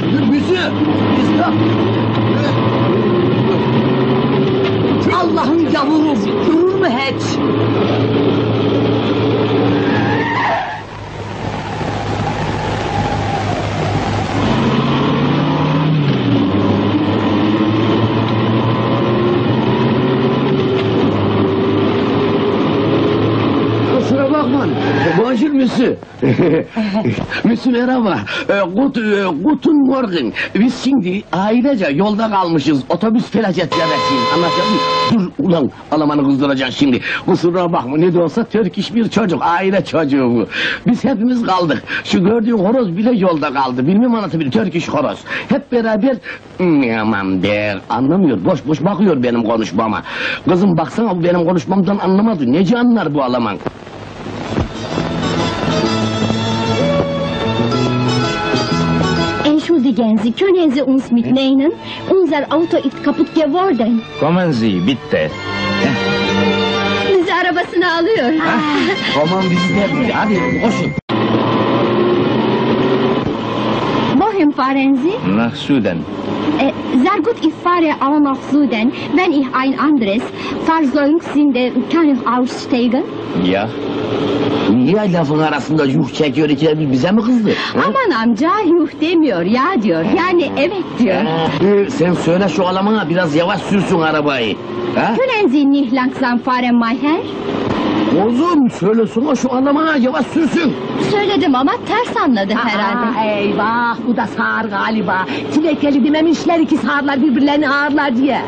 Müsü! İstop! Allah'ın yavrum, durur mu hiç? Kusura bakma. Bonjour Müsü. Müsü merhaba. Guten Morgen. Biz şimdi ailece yolda kalmışız. Otobüs felaket yemesiyiz. Anlatıyor muyum? Dur ulan Alman'ı kızdıracaksın şimdi. Kusura bakma ne de olsa Türk iş bir çocuk. Aile çocuğu bu. Biz hepimiz kaldık. Şu gördüğün horoz bile yolda kaldı. Bilmem anlatabilir. Türk iş horoz. Hep beraber aman der. Anlamıyor. Boş boş bakıyor benim konuşmama. Kızım baksana bu benim konuşmamdan anlamadı. Nece anlar bu Alman? Entschuldigen Sie, können Sie uns mitnehmen? Unser Auto ist kaputt geworden. Kommen Sie, bitte. Bizi arabasına alıyor. Aman bizi de hadi koşun. Wohin fahren Sie? Nach Süden. Sehr gut, ich fahre auch nach Süden. Wenn ich ein anderes Fahrzeug finde, kann ich aussteigen? Ja. Niye lafın arasında yuh çekiyor ikide bir bize mi kızdı? Aman amca, yuh demiyor, ya diyor. Yani evet diyor. Sen söyle şu Alman'a biraz yavaş sürsün arabayı. Ha? Können Sie nicht langsam fahren, mein Herr? Oğlum söylesene şu Alman'a yavaş sürsün. Söyledim ama ters anladı herhalde. Eyvah, bu da sağır galiba. Tilekeli dememişler ki sağırlar birbirlerini ağırlar diye.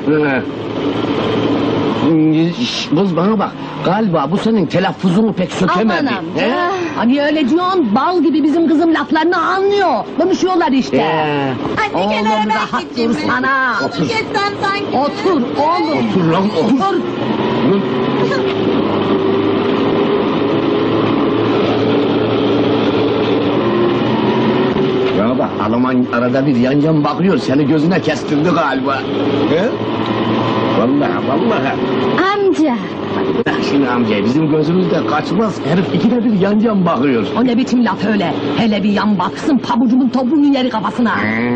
Kız bana bak, galiba bu senin telaffuzunu pek sökemedi. Aman amca. He? Hani öyle diyorsun, bal gibi bizim kızım laflarını anlıyor. Konuşuyorlar işte. Anne Oğlum kenara ben rahat geçeyim. dursana. Otur geçsem sanki. Otur oğlum. Otur lan otur. Hı? Ya bak Alman arada bir yan yan bakıyor, seni gözüne kestirdi galiba. He? Vallahi. Amca. Bak şimdi amca, bizim gözümüzde kaçmaz, herif ikide bir yan yan bakıyor. O ne biçim laf öyle? Hele bir yan baksın, pabucumun topuğunu yeri kafasına.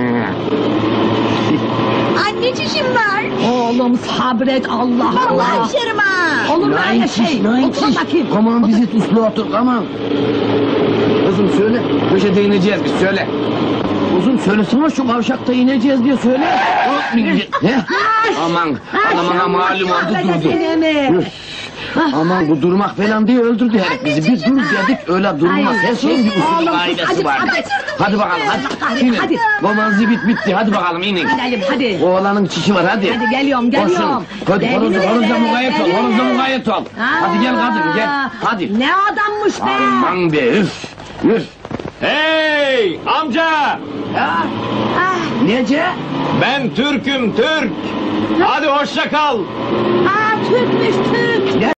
Anne çişim var. Oğlum sabret, Allah Allah. Vallahi düşerim ha. Olur mu öyle şey? Otur bakayım. Aman bizi uslu otur, aman. Kızım söyle, köşede ineceğiz biz, söyle. Uzun söylesene şu kavşakta ineceğiz diye söyle. He? Aman malum oldu durdu. Üf. Aman bu durmak falan diye öldürdü herif bizi. Bir dur dedik öyle durmaz. Her şeyin bir usul kaidesi var. Hadi bakalım hadi. İnin. Hadi. Roman zibit bitti, hadi bakalım inin. Gidelim hadi. Oğlanın çişi var hadi. Hadi geliyorum. Koşun. Hadi horozla mukayyet ol. Horozla mukayyet ol. Hadi gel kadın gel. Hadi. Ne adammış be. Aman be üf. Üf. Hey amca! Nece? Ben Türk'üm Türk. Hadi hoşça kal. Türkmüş Türk.